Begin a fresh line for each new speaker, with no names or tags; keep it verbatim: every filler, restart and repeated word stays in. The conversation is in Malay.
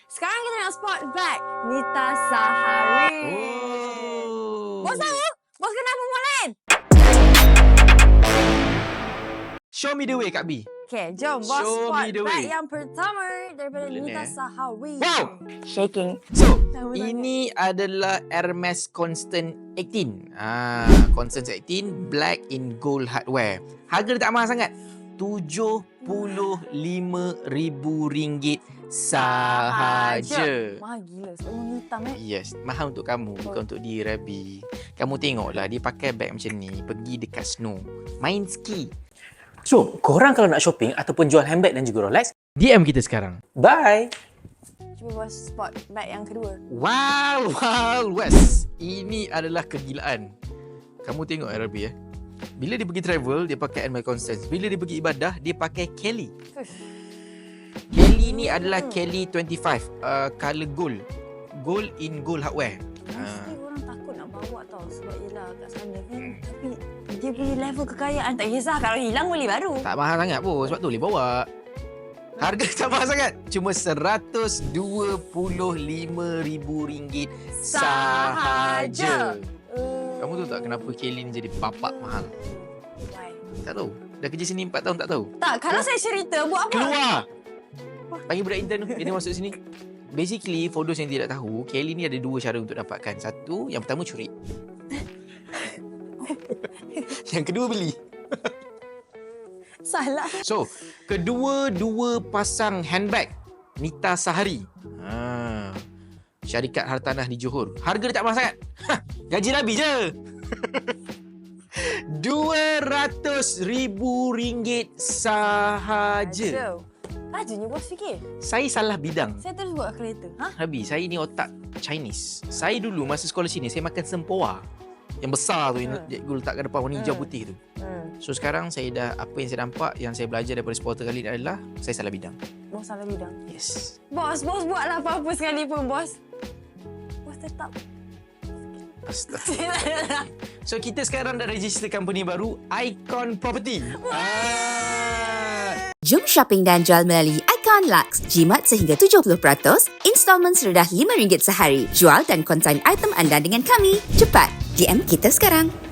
Sekarang kita nak spot back Nita Sahari.
Oh.
Bos tahu? Bos kenal perempuan lain?
Show me the way, Kak B.
Okay, jom bos
Show
spot
me the
back
way.
yang pertama daripada
Boleh
Nita
ni, eh?
Sahari.
Wow.
Shaking.
So,
Tahu
ini adalah Hermes Constant eighteen. Ah, Constant eighteen black in gold hardware. Harga dia tak mahal sangat. tujuh puluh lima ribu ringgit sahaja.
Mahal gila sebab warna hitam eh.
Yes, mahal untuk kamu, bukan untuk dia, Rabi. Kamu tengoklah dia pakai bag macam ni, pergi dekat snow, main ski.
So, korang kalau nak shopping ataupun jual handbag dan juga Rolex,
D M kita sekarang.
bye!
Cuba bos spot back yang kedua.
Wild Wild West. Ini adalah kegilaan. Kamu tengok ya, Rabi ya. Bila dia pergi travel, dia pakai Hermes Constant. Bila dia pergi ibadah, dia pakai Kelly.
Uff.
Kelly ni adalah Kelly twenty-five, uh, color gold. Gold in gold hardware.
Mesti orang takut nak bawa tau sebab yelah kat sana kan. Tapi dia punya level kekayaan tak kisah, kalau hilang boleh baru.
Tak mahal sangat pun, sebab tu boleh bawa. Harga tak mahal sangat. Cuma seratus dua puluh lima ribu ringgit sahaja.
Uh,
Kamu tahu tak kenapa Kelly ni jadi bapak mahal?
Why?
Tak tahu. Dah kerja sini empat tahun tak tahu.
Tak, kalau saya cerita buat apa?
Keluar! Panggil budak intern tu. Dia tengok masuk sini. Basically, for those yang tidak tahu, Kelly ni ada dua cara untuk dapatkan. Satu, yang pertama curi. Yang kedua beli.
Salah.
So, kedua-dua pasang handbag Nita Sahari. Ha. Syarikat hartanah di Johor. Harga dia tak mahal sangat. Ha, gaji Rabi je. dua ratus ribu ringgit sahaja.
So, rajunya bos fikir.
Saya salah bidang.
Saya terus buat kereta. Ha?
Rabi, saya ni otak Chinese. Saya dulu masa sekolah sini, saya makan sempoa. Yang besar tu, yang
Hmm.
cikgu letak kat depan warna hijau
Hmm.
putih tu.
Hmm.
So sekarang saya dah, apa yang saya nampak, yang saya belajar daripada supporter kali ni adalah saya salah bidang.
Bos salah bidang.
Yes.
Bos, bos buatlah apa-apa sekalipun bos. Bos tetap.
Astaga. So kita sekarang dah register company baru, Icon Property. Ah.
Jom shopping dan jual melalui Icon Lux. Jimat sehingga tujuh puluh peratus, installment serendah lima ringgit sehari. Jual dan konsign item anda dengan kami. Cepat, D M kita sekarang.